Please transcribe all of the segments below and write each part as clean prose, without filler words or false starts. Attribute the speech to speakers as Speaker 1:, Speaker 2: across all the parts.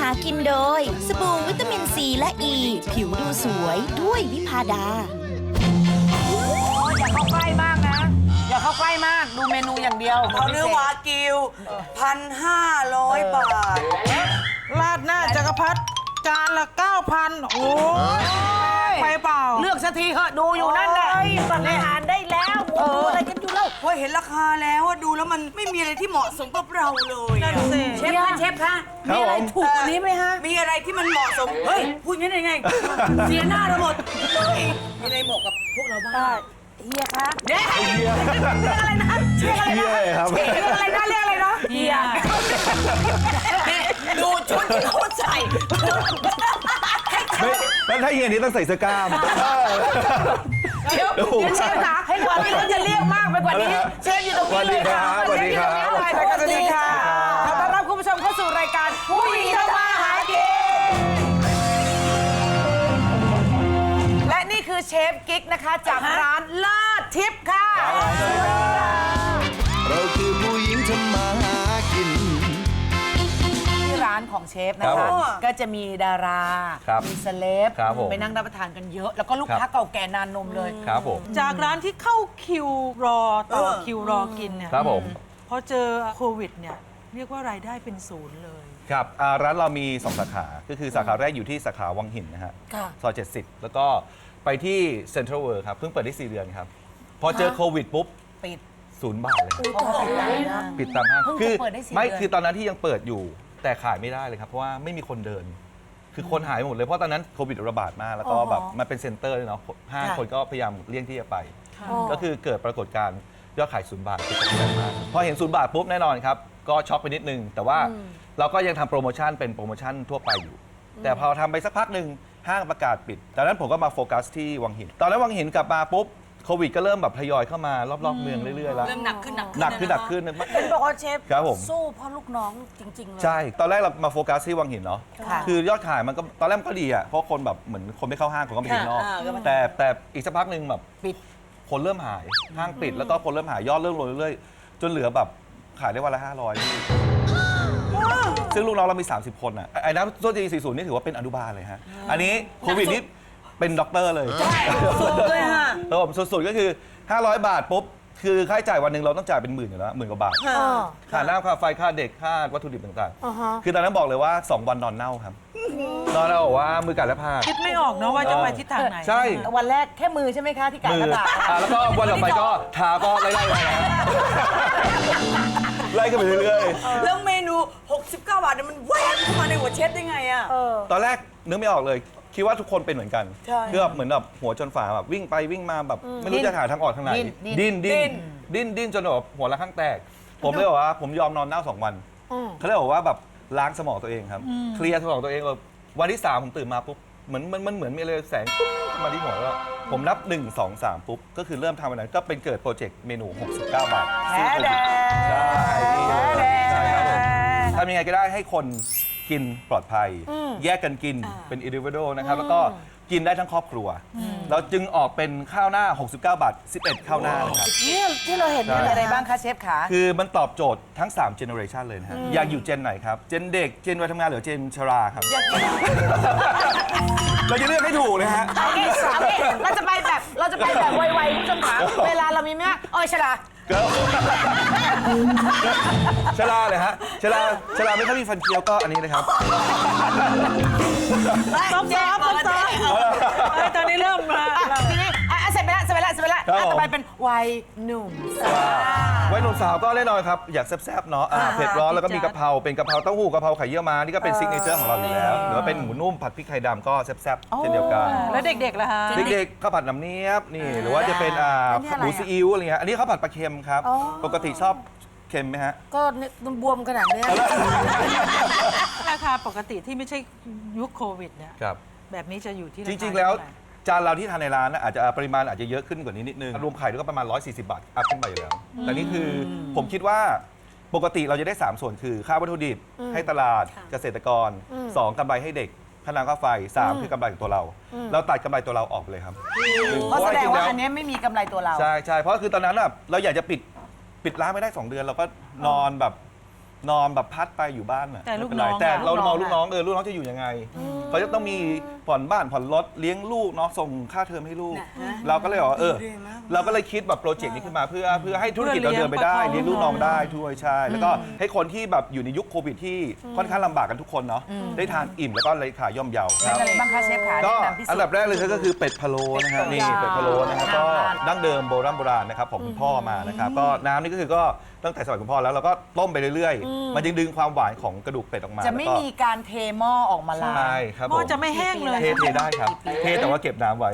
Speaker 1: ากินโดยสบู่วิตามินซีและอ e, ีผิวดูสวยด้วยวิพาดา
Speaker 2: อย่าเข้าใกล้มากนะ อย่าเข้าใกล้มากดูเมนูอย่างเดียว
Speaker 3: เอาเนื้อวากิว1,500 บาท
Speaker 4: ราดหน้าจักรพรรดิจานละ 9,000 โอ้ยไปเปล่า
Speaker 2: เลือกสักทีเหอะดูอยู่นั่นแหละสั่งอาหารได้แล้วอะไรกันอยู่แล้ว
Speaker 3: พอเห็นราคาแล้วอะดูแล้วมันไม่มีอะไรที่เหมาะสมกับเราเลยอะ
Speaker 2: เชฟคะมีอะไรถูกกว่านี้ไหมฮะ
Speaker 3: มีอะไรที่มันเหมาะสม เฮ้ย พูดงั้นได้ไง เสียหน้าเราหมดมีอะไรเหมาะกับพวกเราบ้าง
Speaker 2: เฮียคะเรียกอะไรนะเรียกอะไรนะเรียกอะไรนะเรียกอะไรนะเฮีย
Speaker 3: ดูชุดที่เขาใส่
Speaker 5: แล้วถ้าอย่างนี้ต้องใส่เสื้อกล้าม
Speaker 2: เดี๋ยวเชฟคะให้กว่านี้เราจะเรียกมากไปกว่านี้เชฟอยู่ตรงนี้เลยค่ะ
Speaker 5: สวัสดีครับ
Speaker 2: สวัสดีค่ะขอต้อนรับคุณผู้ชมเข้าสู่รายการผู้หญิงทำมาหากินและนี่คือเชฟกิ๊กนะคะจากร้านเลิศทิพย์ค่ะ
Speaker 6: เราคือผู้หญิงทำมาหากิน
Speaker 2: ที่ร้านของเชฟนะคะก็จะมีดารา
Speaker 5: ครับ
Speaker 2: มีเซเลบ
Speaker 5: ครับผม
Speaker 2: ไปนั่งรับประทานกันเยอะ แล้วก็ลูกค้า
Speaker 5: ครับ
Speaker 2: เก่าแก่นานนมเลย
Speaker 5: ครับผม
Speaker 4: จากร้านที่เข้าคิวรอต่อคิวรอกินเนี่ย
Speaker 5: ครับผม
Speaker 4: พอเจอโควิดเนี่ยเรียกว่ารายได้เป็นศูนย์เลย
Speaker 5: ครับร้านเรามี 2 สาขา ก็คือสาขาแรกอยู่ที่สาขาวังหินนะฮะ
Speaker 2: ค่ะ
Speaker 5: ซอย 70 แล้วก็ไปที่เซ็นทรัลเวิลด์ครับ เพิ่งเปิดได้ 4 เดือนครับ พอเจอโควิดปุ๊บ
Speaker 2: ปิด
Speaker 5: 0 บาทเลยครับ
Speaker 2: โอ้โหนะ
Speaker 5: ปิดตามห้าง
Speaker 2: เพิ่งจะ
Speaker 5: คือ
Speaker 2: เปิดได้4
Speaker 5: ไม่
Speaker 2: เดือน
Speaker 5: คือตอนนั้นที่ยังเปิดอยู่ แต่ขายไม่ได้เลยครับ เพราะว่าไม่มีคนเดิน คือคนหายหมดเลย เพราะตอนนั้นโควิดระบาดมาก แล้วก็แบบมันเป็นเซ็นเตอร์เลยเนาะห้างคนก็พยายามเลี่ยงที่จะไป ก็คือเกิดปรากฏการณ์ยอดขาย0 บาทคือตกใจมากพอเห็น0 บาทปุ๊บแน่นอนครับ ก็ช็อกไปนิดนึง แต่ว่าเราก็ยังทำโปรโมชั่นเป็นโปรโมชั่นทั่วไปอยู่ แต่พอทำไปสักพักหนึ่งห้างประกาศปิดตอนนั้นผมก็มาโฟกัสที่วังหิน ตอนนั้นวังหินกลับมาปุ๊บโควิดก็เริ่มแบบทยอยเข้ามารอบๆเมืองเรื่อยๆแล้ว
Speaker 3: เริ่มหนักขึ้น
Speaker 5: หนักขึ้นหนักขึ้น
Speaker 2: เป็นบอกว่าเชฟ
Speaker 5: ครับผม
Speaker 2: สู้เพราะลูกน้องจริง ๆ เลย
Speaker 5: ใช่ ตอนแรกเรามาโฟกัสที่วังหินเนาะ
Speaker 2: ค่ะ
Speaker 5: คือยอดขายมันก็ตอนแรกมันก็ดีอ่ะ เพราะคนแบบเหมือนคนไม่เข้าห้างคนก็ไปกินข้างนอก แต่อีกสักพักหนึ่งแบบ
Speaker 2: ปิด
Speaker 5: คนเริ่มหาย ห้างปิดแล้วก็คนเริ่มหายยอดเริ่มลงเรื่อยๆ จนเหลือแบบขายได้วันละ500พี่ซึ่งลูกน้องเรามี 30 คนอ่ะ ไอ้น้ำต้นจี40นี่ถือว่าเป็นอนุบาลเลยฮะ อันนี้โควิดนี่เป็นด็อกเตอร์เลย
Speaker 3: สุดเลยฮะ
Speaker 5: ครับผมสุดๆก็คือ 500 บาทปุ๊บ คือค่าใช้จ่ายวันหนึ่งเราต้องจ่ายเป็นหมื่นอยู่แล้ว10,000 กว่าบาท ค่าน้ำค่าไฟค่าเด็กค่าวัตถุดิบต่างๆ คือตอนนั้นบอกเลยว่า 2 วันนอนเน่าครับ นอนเน่าบอกว่ามือกัดและพา
Speaker 4: คิดไม่ออกเนาะว่าจะไปทิศทางไหน
Speaker 5: ใช่
Speaker 2: วันแรกแค่มือใช่ไหมคะที่กัด
Speaker 5: มื
Speaker 2: กระดาษ
Speaker 5: แล้วก็วันต่อไปก็เท้าก็ไล่ๆไปนะไล่กันไปเรื่อยๆ
Speaker 3: แล้วเมนู 69 บาทเนี่ยมันแวบเข้ามาในหัวเชฟได้ไงอะ
Speaker 5: ตอนแรกนึกไม่ออกเลย คิดว่าทุกคนเป็นเหมือนกัน
Speaker 3: ใช่
Speaker 5: คือแบบเหมือนแบบหัวจนฝาแบบวิ่งไปวิ่งมาแบบไม่รู้จะหาทางออกทางไหน ดิ้นจนแบบหัวละข้างแตก ผมเลยบอกว่าผมยอมนอนเน่า2 วันเขาเลยบอกว่าแบบล้างสมองตัวเองครับเคลียร์สมองตัวเองแบบวันที่ 3ผมตื่นมาปุ๊บเหมือนมีอะไรแสงปุ๊บมาที่หัวแล้วผมนับ 1 2 3 ปุ๊บก็คือเริ่มทำอันนั้นก็เป็นเกิดโปรเจกต์เมนู 69 บาท
Speaker 2: แท้แดง
Speaker 5: ใช่ใช่ครับผมทำยังไงก็ได้ให้คนกินปลอดภัย แยกกันกินเป็น individual นะครับแล้วก็กินได้ทั้งครอบครัว เราจึงออกเป็นข้าวหน้า 69 บาท 11 ข้าวหน้านะครับ
Speaker 2: นี่ที่เราเห็นนี่อะไรบ้างคะเชฟขา
Speaker 5: คือมันตอบโจทย์ทั้ง 3 generation เลยนะฮะอยากอยู่เจนไหนครับ เจนเด็ก เจนวัยทำงานหรือเจนชราครับ เราจะเลือกให้ถูกเลยฮะ
Speaker 2: โอเคเราจะไปแบบไวๆคุณผู้ชมขาเวลาเรามีไหมโอ้ยชลา
Speaker 5: ก็ชราเลยฮะชราไม่ค่อยมีฟันเคี้ยวก็อันนี้นะครับ
Speaker 4: ซอฟตอนนี้เริ่มมา
Speaker 2: ทีนี้เสร็จไปแล้วต่อไปเป็นวัยหนุ่มสาว
Speaker 5: วัยหนุ่มสาวก็แน่นอนครับ อยากแซ่บๆเนาะเผ็ดร้อนแล้วก็มีกะเพราเป็นกะเพราเต้าหู้กะเพราไข่เยี่ยวม้านี่ก็เป็นซิกเนเจอร์ของเราอยู่แล้วหรือว่าเป็นหมูนุ่มผัดพริกไทยดำก็แซ่บๆเช่นเดียวกัน
Speaker 4: แล้วเด็กๆล่ะฮะ
Speaker 5: เด็กๆข้าวผัดน้ำเนียบนี่หรือว่าจะเป็นหมูซีอิ๊วอะไรเงี้ยอันนี้ข้าวผัดปลาเค็มครับปกติชอบเค็มไหมฮะ
Speaker 2: ก็บวมขนาดนี้
Speaker 4: ราคาปกติที่ไม่ใช่ยุคโควิดเนี่ย
Speaker 5: ครับ
Speaker 4: แบบนี้จะอยู่ที่า
Speaker 5: จ
Speaker 4: คา
Speaker 5: ริงๆแล้ว
Speaker 4: เท่าไหร่
Speaker 5: จานเราที่ทานในร้านนะอาจจะปริมาณอาจจะเยอะขึ้นกว่านี้นิดนึงรวมไข่ด้วยก็ประมาณ140 บาทอัพขึ้นไปอยู่แล้วแต่นี่คือผมคิดว่าปกติเราจะได้ 3 ส่วนคือค่าวัตถุดิบให้ตลาดเกษตรกร 2กำไรให้เด็กค่าน้ำค่าไฟ 3 คือกำไรของตัวเรา เราตัดกำไรตัวเราออกไปเลยครับ
Speaker 2: เพราะแสดงว่าอันนี้ไม่มีกำไรตัวเรา
Speaker 5: ใช่เพราะคือตอนนั้นแบบเราอยากจะปิดร้านไม่ได้ 2 เดือนเราก็นอนแบบนอนแบบพัดไปอยู่บ้านน่ะ
Speaker 4: แต่ลูก
Speaker 5: ไม่เป็ไร
Speaker 4: น้อง
Speaker 5: แต่เรา
Speaker 4: อะ
Speaker 5: มองลูกน้องลูกน้องจะอยู่ยังไงเขาจะต้องมีผ่อนบ้านผ่อนรถเลี้ยงลูกเนาะส่งค่าเทอมให้ลูก เราก็เลยบอกว่าเราก็เลยคิดแบบโปรเจกต์นี้ขึ้นมาเพื่อให้ธุรกิจเราเดินไปได้เลี้ยงลูกน้องได้ด้วยใช่แล้วก็ให้คนที่แบบอยู่ในยุคโควิดที่ค่อนข้างลำบากกันทุกคนเนาะได้ทานอิ่มแล้วก็ราคาย่อมเยาครับ
Speaker 2: อะไรบ้างคะเชฟขา
Speaker 5: ก็
Speaker 2: แนะนำพิเศษ
Speaker 5: อันดับแรกเลยก็คือเป็ดพะโล้นะฮะนี่เป็ดพะโล้นะครับก็ดั้งเดิมโบราณนะครับของคุณพ่อมานะครับก็น้ำนี่ก็คือก็ตั้งแต่สมัยคุณพ่อแล้วเราก็ต้มไปเรื่อยๆมันยังดึงความหวานของกระดูกเป็ดออกมา
Speaker 2: จะไม่
Speaker 5: แล้วก็
Speaker 2: มีการเทหม้อออกมาล้าง
Speaker 5: ใช่ครับ
Speaker 4: หม้อจะไม่แห้งเลย
Speaker 5: เทได้ครับเทแต่ว่าเก็บน้ำไว้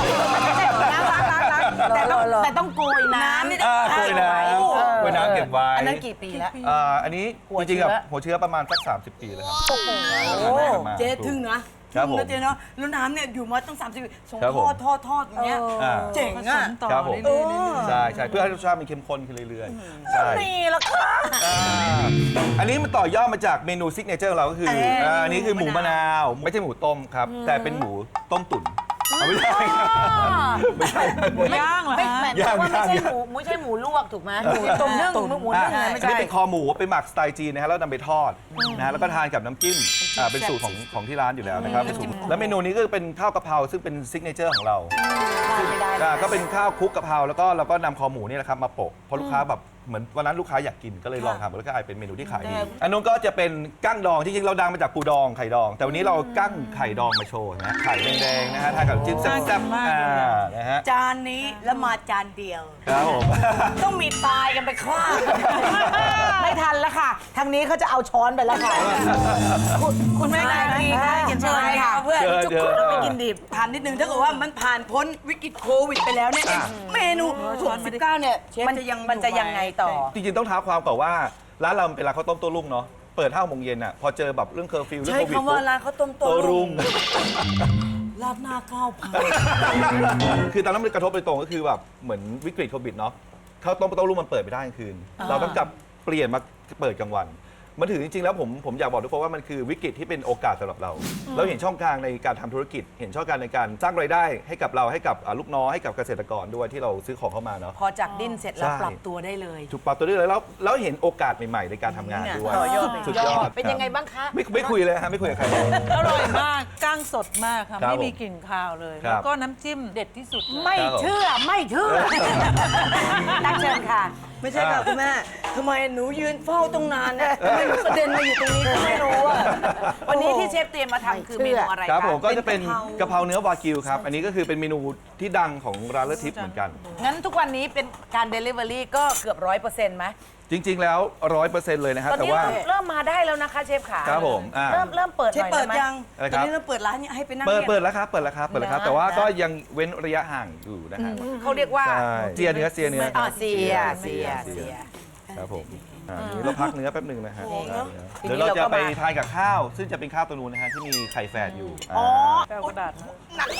Speaker 2: แต่ต้องโกยน้ำ
Speaker 5: โกยน้ำโกยน้ำเก็บไว้
Speaker 2: อันนั้นกี่ปีแล้ว
Speaker 5: อันนี้
Speaker 2: หัว
Speaker 5: จริงๆกับ
Speaker 2: เชื้อ
Speaker 5: หัวเชื้อประมาณสัก30 ปีแล้วครับ
Speaker 3: เจ๊ทึ่งนะครับ
Speaker 5: ผม
Speaker 3: แล้วเจ๊เนาะแล้วน้ำเนี่ยอยู่มาตั้ง30 ปีส่ง
Speaker 5: ครับ
Speaker 3: ท
Speaker 5: ผม
Speaker 3: อดอย่างเงี้ย
Speaker 5: อ่า
Speaker 3: เจ๋ง
Speaker 4: ผส
Speaker 3: อ่ะ
Speaker 4: มต่อ
Speaker 5: ครับผม
Speaker 4: เรื่อยๆ
Speaker 5: ใช่ใช่เพื่อให้รสชาติมันเข้มข้นขึ้นเรื่อยๆใช่
Speaker 2: นี่ละค่ะ
Speaker 5: อันนี้มันต่อยอดมาจากเมนูซิกเนเจอร์ของเราก็คืออันนี้คือหมูมะนาวไม่ใช่หมูต้มครับ แต่เป็นหมูต้มตุ๋นไม่ใช่ไม่ใช่
Speaker 4: หมูย่างเหรอ
Speaker 2: ไม่
Speaker 4: ฮะ
Speaker 2: แม่
Speaker 5: ย่าง
Speaker 2: ว่าไม่ใช่
Speaker 5: ย่าง
Speaker 2: หมูไม่ใช่หมูลวกถูกไหมหมูต้มนึ่งหมูนึ่งอะไรไม่
Speaker 5: อัน
Speaker 2: ใช่
Speaker 5: นี้เป็นคอหมูไปหมักสไตล์จีนนะฮะแล้วนำไปทอดนะฮะแล้วก็ทานกับน้ำจิ้มเป็นสูตรของที่ร้านอยู่แล้วนะครับเป็นสูตรแล้วเมนูนี้ก็เป็นข้าวกะเพราซึ่งเป็นซิกเนเจอร์ของเรา
Speaker 2: ไม่ได้
Speaker 5: ก็เป็นข้าวคลุกกะเพราแล้วก็เราก็นำคอหมูนี่แหละครับมาโปะเพราะลูกค้าแบบเหมือนวันนั้นลูกค้าอยากกินก็เลยลองทำแล้วก็กลายเป็นเมนูที่ขายดีอันนู้นก็จะเป็นกั้งดองจริงๆเราดังมาจากปูดองไข่ดอง แต่วันนี้เรากั้งไข่ดองมาโชว์นะไข่แดงๆนะฮะทานกับจิ้มแซ่บๆนะฮะ
Speaker 3: จานนี้แล้วมาจานเดียว
Speaker 5: ครับผม
Speaker 3: ต้องมีตายกันไปข้าง
Speaker 2: ไม่ทันแล้วค่ะ ทางนี้เขาจะเอาช้อนไปแล้วค่ะ
Speaker 3: คุณแม่ได้ดีค่ะเชิญค่ะเพื่อน
Speaker 5: เชิญ
Speaker 3: ไม่กินดิบทานนิดนึงถ้าเกิดว่ามันผ่านพ้นวิกฤตโควิดไปแล้วเนี่ยเมนู69เนี่ยมันจะยังไงต่อ
Speaker 5: จริงๆต้องท้าความก่อนว่าร้านเราเป็นร้านข้าวต้มโต้รุ่งเนาะเปิด5 โมงเย็นอ่ะพอเจอแบบเรื่องเคอร์ฟิวเรื่อง
Speaker 3: ใช้
Speaker 5: โควิด
Speaker 3: คำว่าร้านข้าวต้มโต้
Speaker 5: โต้
Speaker 3: รุ่
Speaker 5: รุ่
Speaker 3: ง
Speaker 5: ง
Speaker 3: ราดหน้าข้าวผัด
Speaker 5: คือตอนนั้นมันกระทบโดยตรงก็คือแบบเหมือนวิกฤตโควิดเนาะข้าวต้มโต้รุ่งมันเปิดไม่ได้กลางคืน เราต้องกลับเปลี่ยนมาเปิดกลางวันมันถือจริงๆแล้วผมอยากบอกทุกคนว่ามันคือวิกฤตที่เป็นโอกาสสำหรับเรา เราเห็นช่องทางในการทำธุรกิจ เห็นช่องทางในการสร้างรายได้ให้กับเราให้กับลูกน้องให้กับเกษตรกรด้วยที่เราซื้อของเข้ามาเนาะ
Speaker 2: พอจากดิ้นเสร็จแล้ว
Speaker 5: ใช่
Speaker 2: ปรับตัวได้เลย
Speaker 5: ถูกปรับตัวด้วยแล้วเห็นโอกาสใหม่ๆในการทำงานด้วย
Speaker 3: ต่อยอด
Speaker 5: สุดยอด
Speaker 2: เป็นยังไงบ้างคะ
Speaker 5: ไม่คุยเลยฮะไม่คุยกับใครเลย
Speaker 4: อร่อยมากก้างสดมากค่ะ
Speaker 5: ครับ
Speaker 4: ไม่มีกลิ่นคาวเลย
Speaker 5: ครับ
Speaker 4: แล้วก็น้ำจิ้มเด็ดที่สุดเลย
Speaker 2: ไม่เชื่อไม่เชื่อตั้งเชิญค่ะ
Speaker 3: ไม่ใช่ค่ะคุณแม่ทำไมหนูยืนเฝ้าตรงนานเนี่ยทำไมหนูกระเด็นมาอยู่ตรงนี้ก็ไม่รู้อ่ะ
Speaker 2: วันนี้ที่เชฟเตรียมมาทำคือเมนูอะไร
Speaker 5: ครับ
Speaker 2: คะ
Speaker 5: ผมก็จะเป็น
Speaker 3: เป็น
Speaker 5: กะเพราเนื้อวากิวครับ อันนี้ก็คือเป็นเมนูที่ดังของร้านเลอทิปเหมือนกัน
Speaker 2: งั้นทุกวันนี้เป็นการ Delivery ก็เกือบ100%ไหม
Speaker 5: จริง ๆ แล้ว 100%เลยนะครับ
Speaker 2: ตอน
Speaker 5: แต่
Speaker 2: นี้
Speaker 5: ว่า
Speaker 2: เริ่มมาได้แล้วนะคะเชฟขา
Speaker 5: ครับผมอ่า
Speaker 2: เริ่มเปิดห
Speaker 3: เชฟ
Speaker 2: น่อย
Speaker 3: เปิด
Speaker 2: ได้ไหม
Speaker 3: ยัง
Speaker 5: อะไร
Speaker 3: ต
Speaker 5: ค
Speaker 3: อ
Speaker 5: รั
Speaker 3: น
Speaker 5: บ
Speaker 3: นี้เราเปิดร้านให้ไปนั่ง
Speaker 5: เปิด
Speaker 3: รียน
Speaker 5: เปิดแล้วครับเปิดแล้วครับเปิดแล้วครับ แต่ว่าก็ยังเว้นระยะห่างอยู่นะฮะ
Speaker 2: เขาเรียกว่า
Speaker 5: ใช่เสียเนื้อ
Speaker 2: อ่า
Speaker 5: ครับ
Speaker 2: เสีย
Speaker 5: ครับผมนี่เราพักเนื้อแป๊บหนึ่งนะฮะ
Speaker 2: ทีนี้
Speaker 5: เดี๋ยวเราจะ
Speaker 2: เราก็
Speaker 5: ไป
Speaker 2: มา
Speaker 5: ทานกับข้าว ซึ่งจะเป็นข้าวตัวนู้นนะฮะที่มีไข่แฝดอยู่
Speaker 4: แก้วกระดาษมา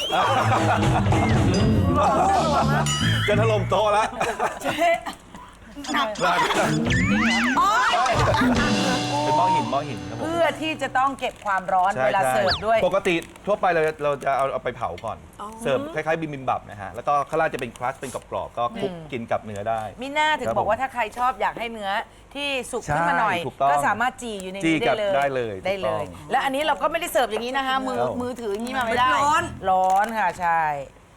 Speaker 5: จะถล่มโต๊ะแล้ว
Speaker 3: หนัก
Speaker 5: เป็นหม้อหินครับผม
Speaker 2: เพื่อที่จะต้องเก็บความร้อน
Speaker 5: ใช่
Speaker 2: เวลา
Speaker 5: ใช่
Speaker 2: เสิร์ฟด้วย
Speaker 5: ปกติทั่วไปเราจะเอาไปเผาก่อน เสิร์ฟคล้ายๆบิมบับนะฮะ แล้วก็ข้างล่างจะเป็นครัสเป็นกรอบๆก็คลุกกินกับเนื้อได้
Speaker 2: มิน่าถึง
Speaker 5: ครับ
Speaker 2: บอกว่า
Speaker 5: ผม
Speaker 2: ถ้าใครชอบอยากให้เนื้อที่สุกขึ้นมาหน่อย
Speaker 5: ใช่ถูกต้อง
Speaker 2: ก็สามารถจีอยู่ใน
Speaker 5: จี้
Speaker 2: นี้
Speaker 5: กับ
Speaker 2: ได้เลย
Speaker 5: ได้เลย
Speaker 2: ได้
Speaker 5: ถูกต้อง
Speaker 2: แล้วอันนี้เราก็ไม่ได้เสิร์ฟอย่างนี้นะคะมือถืออย่างนี้มาไม่ได้ ร้อนค่ะใช่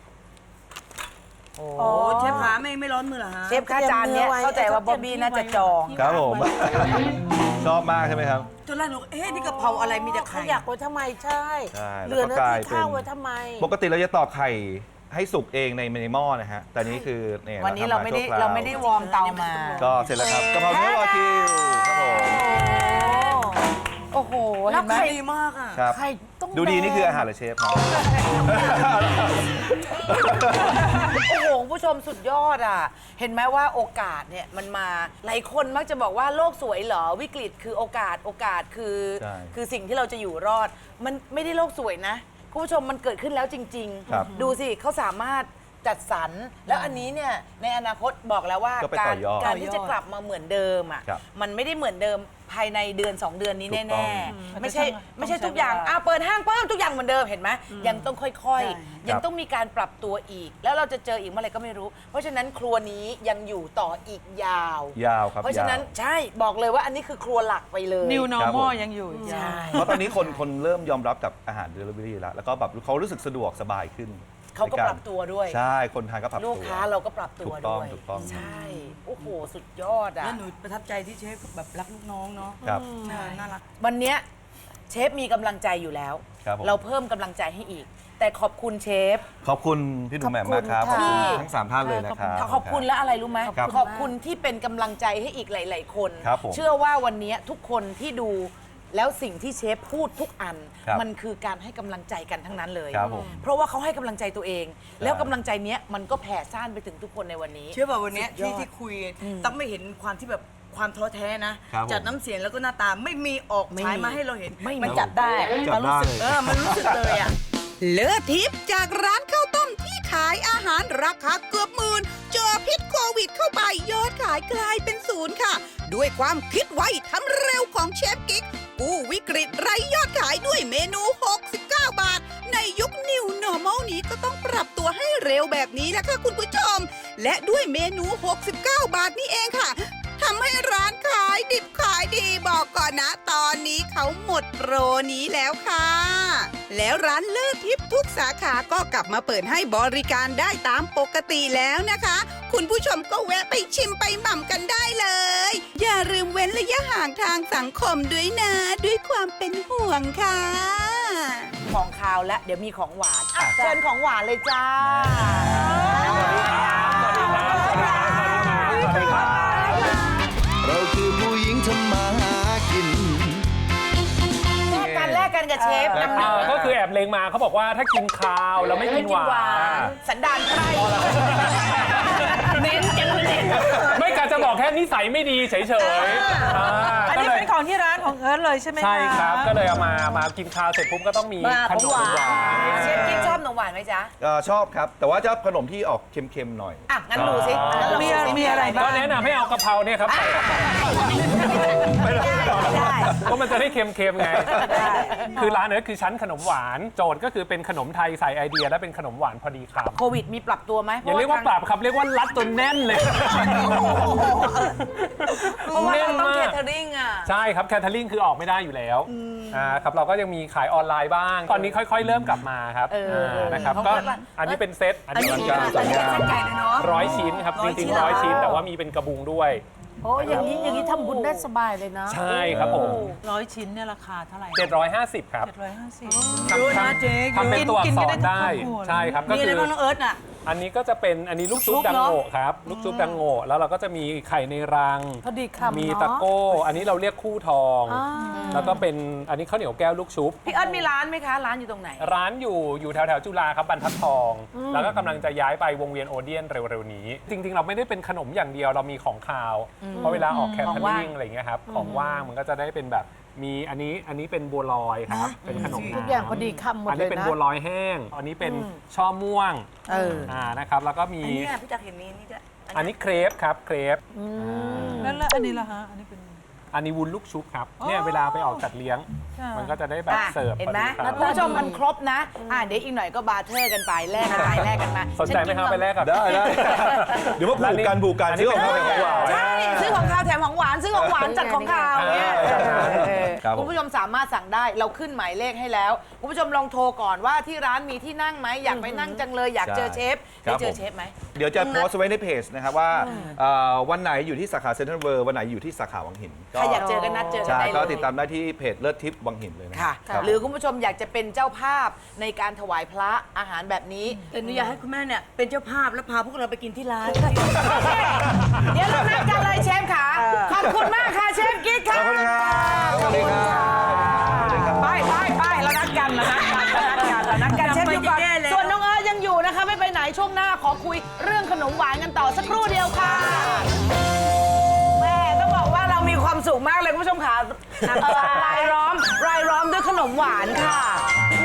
Speaker 2: โอ้
Speaker 3: โอ้เชฟขาไม่ร้อนมือเหรอฮะ
Speaker 2: เชฟค่าจานเนี้ยเข้าใจว่าบ๊อบบี้น่าจะจอง
Speaker 5: ครับผม ชอบมากใช่ไหมครับ
Speaker 3: จนแรกหนูเอ๊ะนี่กะเพราอะไรมีแต่ไข่
Speaker 7: อยากไว้ทำไมใช่
Speaker 5: ใช่
Speaker 7: เหลือ
Speaker 5: แล้ว
Speaker 7: เนื้
Speaker 5: ก็
Speaker 7: อก
Speaker 5: ลาย
Speaker 7: ที่
Speaker 5: เป็น
Speaker 7: ข้าวไว้ทำไม
Speaker 5: ปกติเราจะตอกไข่ให้สุกเองในหม้อนะฮะ แต่นี้คือเนี่ย
Speaker 2: วันนี้เราไม่ได้
Speaker 5: ทำชั่วคว
Speaker 2: เราไม่ได้วอร์มเตามา
Speaker 5: ก็เสร็จแล้วครับกะเพราเนื้อวากิวครับผม
Speaker 2: โอ้โห
Speaker 3: แล้
Speaker 2: เห็
Speaker 3: วน
Speaker 2: ไหม
Speaker 3: ไข่ดีมากอ่ะ
Speaker 5: ครับ
Speaker 7: ไข่ต้อง
Speaker 5: ดูดี
Speaker 7: แดง
Speaker 5: นี่คืออาหารเหรือเชฟครับ
Speaker 2: โอ้โหคุณผู้ชมสุดยอดอ่ะ เห็นไหมว่าโอกาสเนี่ยมันมาหลายคนมักจะบอกว่าโลกสวยเหรอวิกฤตคือโอกาสคือ
Speaker 5: ใช่
Speaker 2: คือสิ่งที่เราจะอยู่รอด มันไม่ได้โลกสวยนะคุณผู้ชมมันเกิดขึ้นแล้วจริง
Speaker 5: ครับ
Speaker 2: ดูสิเขาสามารถจัดสรรแล้วอันนี้เนี่ยในอนาคตบอกแล้วว่า
Speaker 5: ก็ไป
Speaker 2: กา
Speaker 5: ต่
Speaker 2: ร
Speaker 5: อยอด
Speaker 2: การที่จะกลับมาเหมือนเดิมอ่ะ
Speaker 5: ครับ
Speaker 2: มันไม่ได้เหมือนเดิมภายในเดือน 2 เดือนนี้
Speaker 5: ถูกต้
Speaker 2: แน่
Speaker 5: อง
Speaker 2: ๆไม่ใช่ทุกอย่างเปิดห้างเพิ่มทุกอย่างเหมือนเดิมเห็นไหมยังต้องค่อยๆ ยังต้องมีการปรับตัวอีก แล้วเราจะเจออีกเมื่อไหร่ก็ไม่รู้ เพราะฉะนั้นครัวนี้ยังอยู่ต่ออีกยาว
Speaker 5: ยาวครับ
Speaker 2: เพราะฉะนั้น
Speaker 5: ยาว
Speaker 2: ใช่บอกเลยว่าอันนี้คือครัวหลักไปเลย
Speaker 4: New
Speaker 5: ครับผม
Speaker 4: normal ยังอยู่อีก
Speaker 2: ใช่
Speaker 5: เพราะตอนนี้คนเริ่มยอมรับกับอาหารเดลิเวอรี่แล้วก็แบบเขารู้สึกสะดวกสบายขึ้น
Speaker 2: เขาก็
Speaker 5: ใน
Speaker 2: ปรับตัวด้วย
Speaker 5: ใช่คนทานก็ปรับตัว
Speaker 2: ลูกค้าเราก็ปรับตัว
Speaker 5: ถูกต้อง
Speaker 2: ด้วย
Speaker 5: ถูกต้อง
Speaker 2: ใช่โอ้โหสุดยอดอ่ะ
Speaker 3: แล้วหนูประทับใจที่เชฟแบบรักลูกน้องเนาะ
Speaker 5: ครับ
Speaker 3: น่ารัก
Speaker 2: วันเนี้ยเชฟมีกำลังใจอยู่แล้ว
Speaker 5: ครับผม
Speaker 2: เราเพิ่มกำลังใจให้อีก แต่ขอบคุณเชฟ
Speaker 5: ขอบคุณพี่หนุ่มแหม่มมากครับ
Speaker 2: ขอบคุณ
Speaker 5: ขอบ
Speaker 2: ค่ะ
Speaker 5: คุณทั้ง 3 ท่านเลยนะครับ
Speaker 2: ขอบคุณและอะไรรู้ไหม
Speaker 5: ครับ
Speaker 2: ขอบคุณที่เป็นกำลังใจให้อีกหลาย ๆ คน
Speaker 5: ครับผม
Speaker 2: เชื่อว่าวันนี้ทุกคนที่ดูแล้วสิ่งที่เชฟพูดทุกอัน
Speaker 5: ครับ
Speaker 2: มันคือการให้กำลังใจกันทั้งนั้นเลย
Speaker 5: ครับผม
Speaker 2: เพราะว่าเขาให้กำลังใจตัวเอง แล้วกำลังใจเนี้ยมันก็แผ่ซ่านไปถึงทุกคนในวันนี้
Speaker 3: เชื่อป่ะวันเนี้ย
Speaker 2: สุดยอด
Speaker 3: ที่คุยต้องไม่เห็นความที่แบบความท้อแท้นะ
Speaker 5: ครับผม
Speaker 3: จากน้ำเสียงแล้วก็หน้าตาไม่มีออก
Speaker 2: ไม่
Speaker 3: ฉาย
Speaker 2: มี
Speaker 3: มาให้เราเห็น
Speaker 2: ไม่มี
Speaker 3: มันจับได้
Speaker 5: จับได้
Speaker 3: มันรู้สึกเลยอ่ะ
Speaker 7: เลือดทิพย์จากร้านข้าวต้มที่ขายอาหารราคาเกือบหมื่นเจอพิษโควิดเข้าไปยอดขายกลายเป็นศูนย์ค่ะ ด้วยความคิดไวทำเร็วของเชฟกิ๊กกู้วิกฤตไร้ยอดขายด้วยเมนู 69 บาท ในยุค New Normal นี้ก็ต้องปรับตัวให้เร็วแบบนี้แหละค่ะคุณผู้ชม และด้วยเมนู 69 บาทนี่เองค่ะทำให้ร้านขายดิบขายดีบอกก่อนนะ ตอนนี้เขาหมดโปรนี้แล้วค่ะ แล้วร้านเลิศทิพย์ทุกสาขาก็กลับมาเปิดให้บริการได้ตามปกติแล้วนะคะ คุณผู้ชมก็แวะไปชิมไปหม่ำกันได้เลย อย่าลืมเว้นระยะห่างทางสังคมด้วยนะ ด้วยความเป็นห่วงค่ะ
Speaker 2: ของคาวและเดี๋ยวมีของหวานอ่ะเชิญของหวานเลยจ้า
Speaker 6: เราคือผู้หญิงทำมาหากิน
Speaker 2: แลกกันกับเชฟนำหนัก
Speaker 8: ก็คือแอบเลงมาเขาบอกว่าถ้ากินคาวแล้วไม่กินหวาน
Speaker 2: สันดานไพร่เน้นจังเลย
Speaker 8: ไม่กะจะบอกแค่นิสัยไม่ดีเฉยๆ
Speaker 4: อันนี้เป็นของที่ร้านของเอิร์ธเลยใช่ไหมคะ
Speaker 8: ใช่ครับก็เลยเอามากินคาวเสร็จปุ๊บก็ต้องมีขนมหวาน
Speaker 2: เชฟกิ๊กชอบขนมหวานไหมจ๊ะ
Speaker 5: ชอบครับ แต่ว่าจะขนมที่ออกเค็มๆหน่อย
Speaker 2: อ่ะ งั้นดูสิงั้นลองดูสิ
Speaker 4: มีอะไรบ้าง
Speaker 8: ก็แนะนำให้เอากะเพราเนี่ยครับใส่เพราะมันจะได้เค็มๆไง คือร้านเนี้คือชั้นขนมหวาน โจทย์ก็คือเป็นขนมไทยใส่ไอเดียและเป็นขนมหวานพอดีคำ
Speaker 2: โควิดมีปรับตัวไหม
Speaker 8: อย่าเรียกว่าปรับครับเรียกว่ารัดจนแน่นเลย
Speaker 2: เพราะว่า
Speaker 8: แน่น
Speaker 2: เราต้อง
Speaker 8: มา
Speaker 2: เค
Speaker 8: ก
Speaker 2: เทอริงอ่ะ
Speaker 8: ใช่ครับแคทเทอริงคือออกไม่ได้อยู่แล้วครับเราก็ยังมีขายออนไลน์บ้าง ตอนนี้ค่อยๆ เริ่มกลับมาครับนะครับก็อันนี้เป็นเซตอันนี้
Speaker 5: อลังการสวยงาม
Speaker 3: ใหญ่เลยเนาะ
Speaker 8: 100 ชิ้นครับจริงๆ100 ชิ้น แต่ว่ามีเป็นกระบุงด้วย
Speaker 9: โอ้อย่างนี้ทำบุญได้สบายเลยนะ
Speaker 8: ใช่ครับผม
Speaker 4: 100 ชิ้นเนี่ยราคาเท่าไหร่
Speaker 8: 750 ครับ
Speaker 4: 750
Speaker 3: เยอะนะเจ๊
Speaker 8: ทำเป็นตัวอักษ
Speaker 4: กิน
Speaker 8: ร
Speaker 4: กันได้
Speaker 8: ได้
Speaker 4: ทั้งครอบครัว
Speaker 8: ใช่ครับก็
Speaker 3: มีอะ
Speaker 8: คื
Speaker 3: ไร
Speaker 8: อ
Speaker 3: บ้างน้องเอิร์ธน่ะ
Speaker 8: อันนี้ก็จะเป็นอันนี้ลูกชุบ
Speaker 3: ลูกชุบ
Speaker 8: ดัง
Speaker 3: เนอะ
Speaker 8: โง่ครับลูกชุบดังโง่แล้วเราก็จะมีไข่ในรัง
Speaker 9: พอดีคำ
Speaker 8: มี
Speaker 9: เนาะ
Speaker 8: ตะโก้ อันนี้เราเรียกคู่ทอง แล้วก็เป็นอันนี้ข้าวเหนียวแก้วลูกชุบ
Speaker 2: พี่เอิร์ธมีร้านไหมคะ ร้านอยู่ตรงไหน
Speaker 8: ร้านอยู่แถวจุฬาครับบรรทัดทอง แล้วก็กำลังจะย้ายไปวงเวียนโอเดียนเร็วๆนี้ จริงๆ เราไม่ได้เป็นขนมอย่างเดียวเรามีของคาว เพราะเวลาออกแคทเทอริงอะไรอย่างเงี้ยครับของว่างมันก็จะได้เป็นแบบมีอันนี้เป็นบัวลอยครับเป็นขนม
Speaker 9: ทุกอย่างพอดีคำหมด
Speaker 8: อัน
Speaker 9: เล
Speaker 8: นี้
Speaker 9: ย
Speaker 8: เป็น
Speaker 9: นะ
Speaker 8: บัวลอยแห้ง อันนี้เป็นช่อม่วงนะครับแล้วก็มี
Speaker 3: อันนี้พี่จักรเห็นนี่ด้วย
Speaker 8: อันนี้เครปครับเครป
Speaker 4: แล้วอันนี้ล่ะฮะ อันนี้เป็น
Speaker 8: อันนี้วุ้นลูกชุบครับเนี่ยเวลาไปออกจัดเลี้ยง มันก็จะได้แบบเสิร์ฟ
Speaker 2: เห็นไหม
Speaker 8: พอดีครับ
Speaker 2: คุณผู้ชมมันครบนะ เดี๋ยวอีกหน่อยก็บาร์เทอร์กันไปแลกกันไปแลกกันมา
Speaker 8: สนใจไหมครับไปแลกกับ
Speaker 5: ได้เดี๋ยวมาผูกกันซื้อของเขาแถมของหวาน
Speaker 2: ใช่ซื้อของคาวแถมของหวานซื้อของหวานจัดของคาวเนี่ย
Speaker 5: ครับผม
Speaker 2: คุณผู้ชมสามารถสั่งได้เราขึ้นหมายเลขให้แล้วคุณผู้ชมลองโทรก่อนว่าที่ร้านมีที่นั่งไหมอยากไปนั่งจังเลยอยากเจอเชฟได้เจอเชฟไหม
Speaker 5: เดี๋ยวจะโพสต์ไว้ในเพจนะครับว่าวันไหนอยู่ที่สาขาเซ็นทรัลเวิลด์วันไหนอยู่ที่สาขาวังหิน
Speaker 2: ใครอยากเจอกันนัดเจอกัน
Speaker 5: ใช่
Speaker 2: ได้เลย
Speaker 5: ก็ติดตามได้ที่เพจเลิศทิพย์วังหินเลยนะ
Speaker 2: ค่ะ
Speaker 5: ครับ
Speaker 2: หรือคุณผู้ชมอยากจะเป็นเจ้าภาพในการถวายพระอาหารแบบนี้
Speaker 3: แต่หนูอยากให้คุณแม่เนี่ยเป็นเจ้าภาพแล้วพาพวกเราไปกินที่ร้าน
Speaker 2: เดี๋ยวเรานัดกันเลยเชฟค่ะ ขอบคุณมากค่ะเชฟกิ๊กค่ะ
Speaker 5: ขอบคุณครับสวัสดีครับสวัสดีครับ
Speaker 2: ไปเรานัดกันเรานัดกันเชฟอยู่ก่อน
Speaker 3: จำไปจะแย่แล้ว
Speaker 2: ส่วนน้องเอิร์ธยังอยู่นะคะไม่ไปไหนช่วงหน้าขอคุยเรื่องขนมหวานกันต่อสักครู่เดียวค่ะแม่ต้องบอกว่าเรามีความสุขมากเลยคุณผู้ชมค่ะรายล้อมด้วยขนมหวานค่ะโอ้โหดูน่า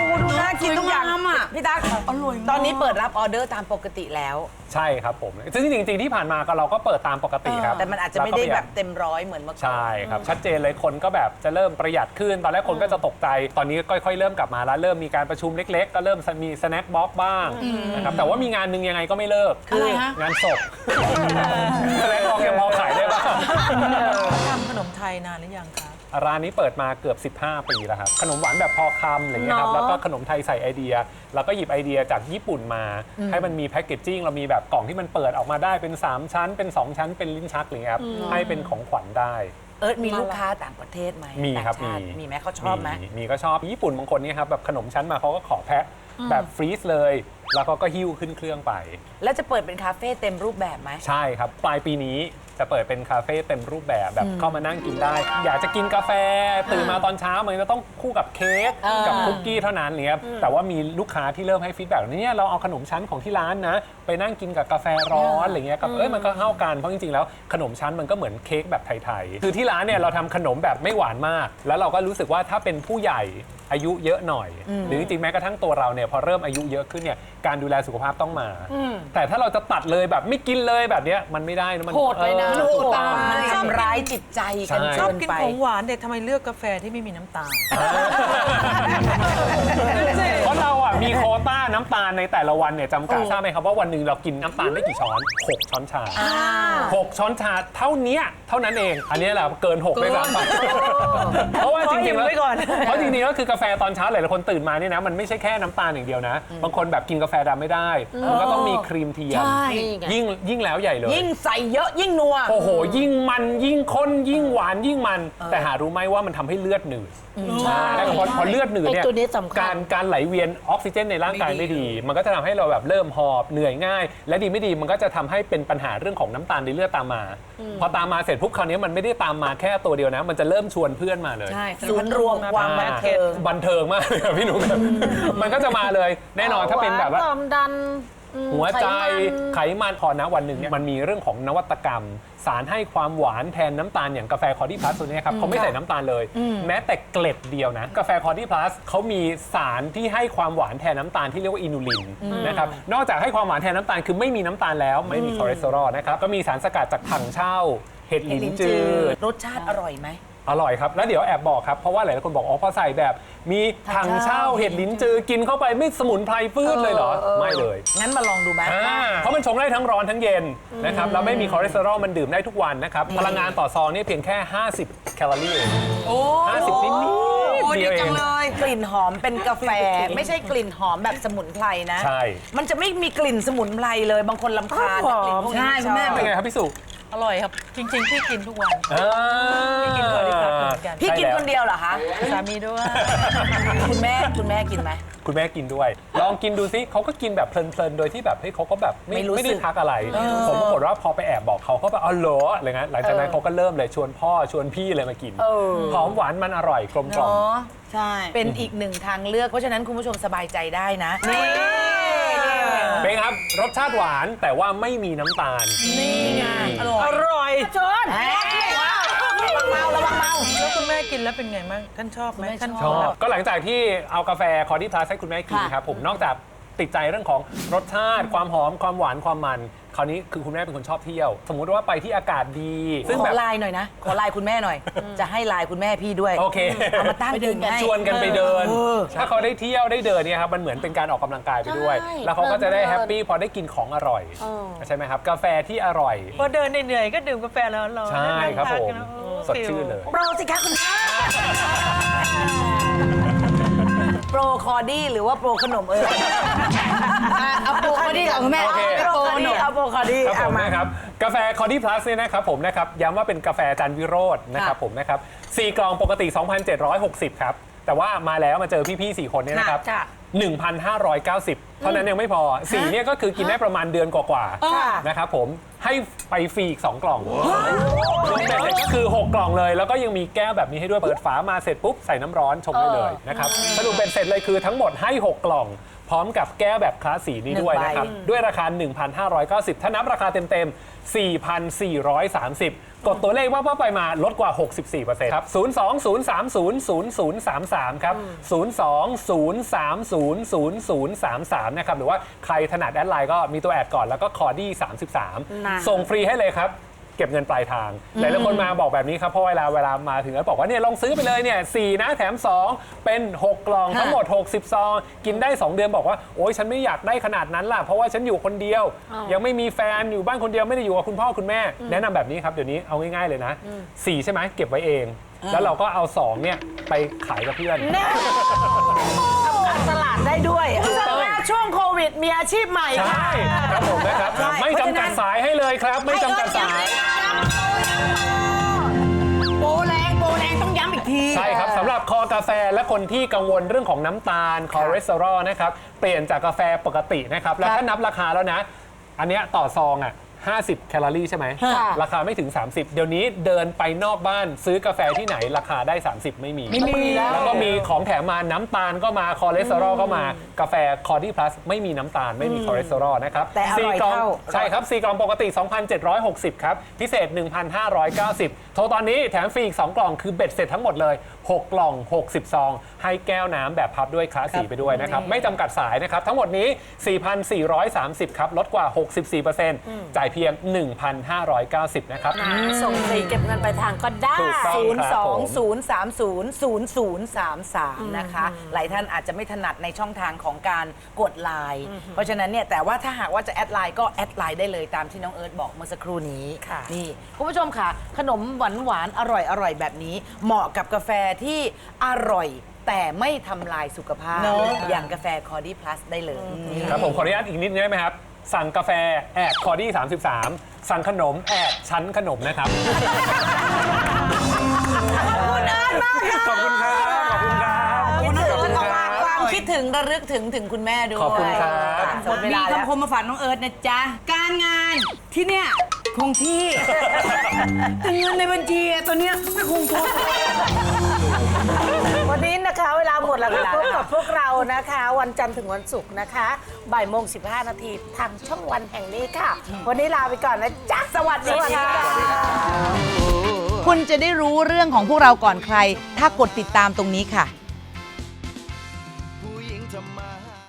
Speaker 3: น่ากินต้องทำอ่ะ
Speaker 2: พี่ตั๊กตอนนี้เปิดรับออเดอร์ตามปกติแล้ว
Speaker 8: ใช่ครับผมซึ่งจริงๆที่ผ่านมาก็เราก็เปิดตามปกติครับ
Speaker 2: แต่มันอาจจะไม่ได้แบบเต็มร้อยเหมือนเมื่อก่อน
Speaker 8: ใช่ครับชัดเจนเลยคนก็แบบจะเริ่มประหยัดขึ้นตอนแรกคนก็จะตกใจตอนนี้ค่อยๆเริ่มกลับมาแล้วเริ่มมีการประชุมเล็กๆ ก็เริ่มมีสแน็คบ็อกซ์บ้างนะครับแต่ว่ามีงานหนึ่งยังไงก็ไม่เลิกคืองานศพสแน็คบ็อกซ์ยังพอขายได้บ้าง
Speaker 4: ทำขนมไทยนานหรือยังคะ
Speaker 8: ร้านนี้เปิดมาเกือบ 15 ปีแล้วครับขนมหวานแบบพอคำอะไรเงี้ยครับแล้วก็ขนมไทยใส่ไอเดียแล้วก็หยิบไอเดียจากญี่ปุ่นมาให้มันมีแพคเกจจิ้งเรามีแบบกล่องที่มันเปิดออกมาได้เป็น3ชั้นเป็น2ชั้นเป็นลิ้นชักอะไรเงี้ยครับให้เป็นของขวัญได้
Speaker 2: มีลูกค้าต่างประเทศไหม
Speaker 8: มีครับ
Speaker 2: ต่างชาติมีไหมเขาชอบไหม
Speaker 8: มีก็ชอบญี่ปุ่นบางคนเนี่ยครับแบบขนมชั้นมาเขาก็ขอแพ็คแบบฟรีซเลยแล้วก็หิ้วขึ้นเครื่องไป
Speaker 2: แล้วจะเปิดเป็นคาเฟ่เต็มรูปแบบไหม
Speaker 8: ใช่ครับปลายปีนี้จะเปิดเป็นคาเฟ่เต็มรูปแบบเข้ามานั่งกินได้ อยากจะกินกาแฟตื่นมาตอนเช้ามันจะต้องคู่กับเค้กกับคุกกี้เท่านั้นเนี่ยแต่ว่ามีลูกค้าที่เริ่มให้ฟีดแบ็กเนี่ยเราเอาขนมชั้นของที่ร้านนะไปนั่งกินกับกาแฟร้อนอะไรเงี้ยกับมันก็เข้ากันเพราะจริงๆแล้วขนมชั้นมันก็เหมือนเค้กแบบไทยๆคือที่ร้านเนี่ยเราทำขนมแบบไม่หวานมากแล้วเราก็รู้สึกว่าถ้าเป็นผู้ใหญ่อายุเยอะหน่อยหรือจริงๆแม้กระทั่งตัวเราเนี่ยพอเริ่มอายุเยอะขึ้นเนี่ยการดูแลสุขภาพต้องมาแต่ถ้าเราจะตัดเลยแบบไม่กินเลยแบบเนี้ยมันไม่ได้นะมัน
Speaker 9: โหดเลยนะ
Speaker 2: ถูกต้องมันทำร้ายจิตใจกัน
Speaker 4: ชอบ
Speaker 2: เกิน
Speaker 4: กิน
Speaker 2: ไป
Speaker 4: ของหวานเด็กทำไมเลือกกาแฟที่ไม่มีน้ำตาล
Speaker 8: เพราะเราอ่ะมีโควต้าน้ำตาลในแต่ละวันเนี่ยจำกัดทราบไหมครับว่าวันหนึ่งเรากินน้ำตาลได้กี่ช้อน6 ช้อนชา6 ช้อนชาเท่านั้นเองอันนี้แหละเกิน6เลยซ้ำไปเพราะว่าจริงๆแล้วเพราะจริงๆแล้วคือกาแฟตอนเช้าหลายคนตื่นมาเนี่ยนะมันไม่ใช่แค่น้ำตาลอย่างเดียวนะบางคนแบบกินกาแฟดำไม่ได้มันก็ต้องมีครีมเทียมยิ่งแล้วใหญ่เลย
Speaker 2: ยิ่งใส่เยอะยิ่งนัว
Speaker 8: โอ้โหยิ่งมันยิ่งข้นยิ่งหวานยิ่งมันแต่หารู้ไหมว่ามันทำให้เลือดหนืดใช่แล้วพอเลือดหนืดเนี่ย
Speaker 9: ไอ้ตัวนี้สำคัญ
Speaker 8: การไหลเวียนออกซิเจนในร่างกายไม่ดี มันก็จะทำให้เราแบบเริ่มหอบเหนื่อยง่าย และดีไม่ดีมันก็จะทำให้เป็นปัญหาเรื่องของน้ำตาลในเลือดตามมา พอตามมาเสร็จปุ๊บคราวนี้มันไม่ได้ตามมาแค่ตัวเดียวนะ มันจะเริ่มชวนเพื่อนมาเลย
Speaker 2: ศูนย์รวมความบันเทิง
Speaker 8: บันเทิงมากเลยครับพี่หนุ่มมันก็จะมาเลยแน่นอนถ้าเป็นแบบว่า
Speaker 9: ความดัน
Speaker 8: หัวใจไขมันพอนะวันหนึ่งเนี่ยมันมีเรื่องของนวัตกรรม สารให้ความหวานแทนน้ำตาลอย่างกาแฟคอร์ดี้พลัสตัวนี้ครับเขาไม่ใส่น้ำตาลเลย แม้แต่เกล็ดเดียวนะกาแฟคอร์ดี้พลัสเขามีสารที่ให้ความหวานแทนน้ำตาลที่เรียกว่าอินูลินนะครับนอกจากให้ความหวานแทนน้ำตาลคือไม่มีน้ำตาลแล้วไม่มีคอเลสเตอรอลนะครับก็มีสารสกัดจากถังเช่าเห็ดหลินจือ
Speaker 2: รสชาติอร่อยไหม
Speaker 8: อร่อยครับแล้วเดี๋ยวแอบบอกครับเพราะว่าหลายคนบอกอ๋อพอใส่แบบมีถังเช่าเห็ดลิ้นจือกินเข้าไปไม่สมุนไพรฟืดเลยเหรอไม่เลย
Speaker 2: งั้นมาลองดูไหม
Speaker 8: เพราะมันชงได้ทั้งร้อนทั้งเย็นนะครับแล้วไม่มีคอเลสเตอรอลมันดื่มได้ทุกวันนะครับพลังงานต่อซองนี่เพียงแค่50 แคลอรี่เอง50นิดเดียวเอง
Speaker 2: กลิ่นหอมเป็นกาแฟ ไม่ใช่กลิ่นหอมแบบสมุนไพรนะ
Speaker 8: ใช่
Speaker 2: มันจะไม่มีกลิ่นสมุนไพรเลยบางคนรำคาญกับกลิ่นพวกนี้
Speaker 3: ใช่คุณแม่
Speaker 8: เป็นไงครับพี่สุ
Speaker 4: อร่อยครับ จริงๆ พี่กินทุกวัน
Speaker 8: พี่
Speaker 4: กินคอร์ดี้พลัสเหมือนกัน
Speaker 2: พี่กินคนเดียวเหรอคะ
Speaker 4: สามีด้วย
Speaker 2: คุณแม่กินไหม
Speaker 8: คุณแม่กินด้วย ลองกินดูซิเขาก็กินแบบเพลินๆ โดยที่แบบเฮ้ยเขาก็แบบ
Speaker 2: ไม่รู้สึก
Speaker 8: ไม่ได้ทักอะไร ผมปรากฏว่าพอไปแอบบอกเขาก็แบบอ๋อเหรออะไรเงี้ยหลังจากนั้นเขาก็เริ่มเลยชวนพ่อชวนพี่เลยมากินหอมหวานมันอร่อยกลมกล่อม
Speaker 3: ใช่
Speaker 2: เป็นอีกหนึ่งทางเลือกเพราะฉะนั้นคุณผู้ชมสบายใจได้นะนี่
Speaker 8: เป็นครับรสชาติหวานแต่ว่าไม่มีน้ำตาล
Speaker 2: นี่ไง
Speaker 4: อร่อย
Speaker 2: ชนระวังเมา
Speaker 4: แล้วคุณแม่กินแล้วเป็นไงบ้างท่านชอบไหมท่าน
Speaker 8: ชอบก็หลังจากที่เอากาแฟคอร์ดี้พลัสให้คุณแม่กินครับผมนอกจากติดใจเรื่องของรสชาติความหอมความหวานความมันคราวนี้คือคุณแม่เป็นคนชอบเที่ยว สมมุติว่าไปที่อากาศดีซึ่ง
Speaker 2: ข
Speaker 8: แบ
Speaker 2: อบ ไลน์หน่อยนะ ขอไลน์คุณแม่หน่อย จะให้ไลน์คุณแม่พี่ด้วย
Speaker 8: โอเค
Speaker 2: เอามาตั้งกินให้
Speaker 8: ชวนกันไปเดิน ถ้าเขาได้เที่ยวได้เดินเนี่ยครับมันเหมือนเป็นการออกกำลังกายไปด้วย แล้วเขาก็จะได้แฮปปี้พอได้กินของอร่อยใช่ไหมครับกาแฟที่อร่อย
Speaker 4: พอเดินเหนื่อยๆก็ดื่มกาแฟแล้วร้อนๆ
Speaker 8: ใช่ครับผม
Speaker 4: นั่งทานกันแล้ว
Speaker 8: สดชื่นเลย
Speaker 2: โปรสิคะคุณแม่โปรคอร์ดี้หรือว่าโปรขนมเอาโปรคอร์ดี้กับคุณแม่
Speaker 8: โอเค
Speaker 2: โปรขนมเอาโปรคอร์ดี้
Speaker 8: ครับผม
Speaker 2: เอามา
Speaker 8: นะครับกาแฟคอร์ดี้พลัสเนี่ยนะครับผมนะครับย้ำว่าเป็นกาแฟจันวิโรจน์นะครับผมนะครับ4 กล่องปกติ 2,760 ครับแต่ว่ามาแล้วมาเจอพี่ๆ4 คนเนี่ยนะครับ 1,590 เท่านั้นยังไม่พอ4เนี่ยก็คือกินได้ประมาณเดือนกว่าๆนะครับผมให้ไปฟรีอีก2 กล่องรวมเป็นเสร็จก็คือ6 กล่องเลยแล้วก็ยังมีแก้วแบบนี้ให้ด้วยเปิดฝามาเสร็จปุ๊บใส่น้ำร้อนชงได้เลยนะครับสรุปเป็นเสร็จเลยคือทั้งหมดให้6 กล่องพร้อมกับแก้วแบบคลาสสีนี้ด้วยนะครับ ด้วยราคา 1,590 ถ้านับราคาเต็มๆ 4,430 กดตัวเลขว่าไปมาลดกว่า 64%ครับ 02-030-0033 ครับ 02-030-0033 นะครับ หรือว่าใครถนัดแอดไลน์ก็มีตัวแอดก่อนแล้วก็คอดี้33 ส่งฟรีให้เลยครับ เก็บเงินปลายทาง หลายๆคนมาบอกแบบนี้ครับ เพราะเวลามาถึงแล้วบอกว่าเนี่ยลองซื้อไปเลยเนี่ย4นะแถม 2 เป็น 6 กล่องทั้งหมด 60 ซอง กินได้ 2 เดือนบอกว่า โอ๊ยฉันไม่อยากได้ขนาดนั้นล่ะ เพราะว่าฉันอยู่คนเดียว ยังไม่มีแฟนอยู่บ้านคนเดียวไม่ได้อยู่กับคุณพ่อคุณแม่ แนะนำแบบนี้ครับ เดี๋ยวนี้เอาง่ายๆเลยนะ 4 ใช่ไหมเก็บไว้เอง แล้วเราก็เอา 2 เนี่ยไปขายกับเพื่อน
Speaker 9: ตลาดได้ด้วยช่วงโควิดมีอาชีพใหม่
Speaker 8: ใช่ครับผมนะครับ ไม่จำกัดสายให้เลยครับ ไม่จำกัดสาย
Speaker 3: โปรแรงต้องย้ำอีกที
Speaker 8: ใช่ครับสำหรับคอกาแฟและคนที่กังวลเรื่องของน้ำตาลคอเลสเตอรอลนะครับเปลี่ยนจากกาแฟปกตินะครับแล้วถ้านับราคาแล้วนะ อันเนี้ยต่อซองอ่ะ50 แคลอรี่ใช่ไหมราคาไม่ถึง 30 เดี๋ยวนี้เดินไปนอกบ้านซื้อกาแฟที่ไหนราคาได้ 30 ไม่มี แล้วก็มีของแถมมาน้ำตาลก็มาคอเลสเตอรอลก็มากาแฟคอร์ดี้พลัสไม่มีน้ำตาลไม่มีคอเลสเตอรอลนะครับ
Speaker 3: แต่อร่อย
Speaker 8: 4 กล่อง
Speaker 3: เท่า
Speaker 8: ใช่ครับ 4 กล่องปกติ 2,760 ครับ พิเศษ 1,590 โทรตอนนี้แถมฟรีอีก 2 กล่องคือเบ็ดเสร็จทั้งหมดเลย 6 กล่อง 60 ซอง ให้แก้วน้ำแบบพับด้วยคลาสสีไปด้วยนะครับ ไม่จำกัดสายนะครับ ทั้งหมดนี้ 4,430 ครับ ลดกว่า 64%จ่ายเพียง 1,590 นะครับ
Speaker 9: ส่งฟรีเก็บเงินปลายทางก็ได้
Speaker 8: ถูกต้องครับผม
Speaker 2: 020300033 นะคะ หลายท่านอาจจะไม่ถนัดในช่องทางของการกดไลน์เพราะฉะนั้นเนี่ยแต่ว่าถ้าหากว่าจะแอดไลน์ก็แอดไลน์ได้เลยตามที่น้องเอิร์ธบอกเมื่อสักครู่นี้
Speaker 9: ค่ะ
Speaker 2: นี่คุณผู้ชมค่ะ ขนมหวานๆอร่อยแบบนี้ เหมาะกับกาแฟที่อร่อยแต่ไม่ทำลายสุขภาพ อย่างกาแฟคอร์ดี้พลัสได้เลยนี่
Speaker 8: ครับผมขออนุญาตอีกนิดนึงได้ไหมครับ สั่งกาแฟแอดคอร์ดี้33 สั่งขนมแอดชั้นขนมนะครับ ขอบคุณครับ ขอบคุณครับ
Speaker 2: ความคิดถึงระลึกถึงคุณแม่ด้วย
Speaker 8: ขอบคุณครับ
Speaker 2: หมดเว
Speaker 3: มี
Speaker 2: ลาแล้ว
Speaker 3: คำคมมาฝากน้องเอิร์ธนะจ๊ะ การงานที่เนี่ยคงที่ แต่เงินในบัญชีอะตัวเนี้ยไม่คงทน
Speaker 9: วันนี้นะคะเวลาหมดแล้วค่ะพบกับพวกเรานะคะ วันจันทร์ถึงวันศุกร์นะคะบ่ายโมง15 นาทีทางช่องวันแห่งนี้ค่ะ วันนี้ลาไปก่อนนะจ๊ะสวัสดีค่ะ
Speaker 10: คุณจะได้รู้เรื่องของพวกเราก่อนใคร ถ้ากดติดตามตรงนี้ค่ะ
Speaker 6: ผู้หญิงทำมาหา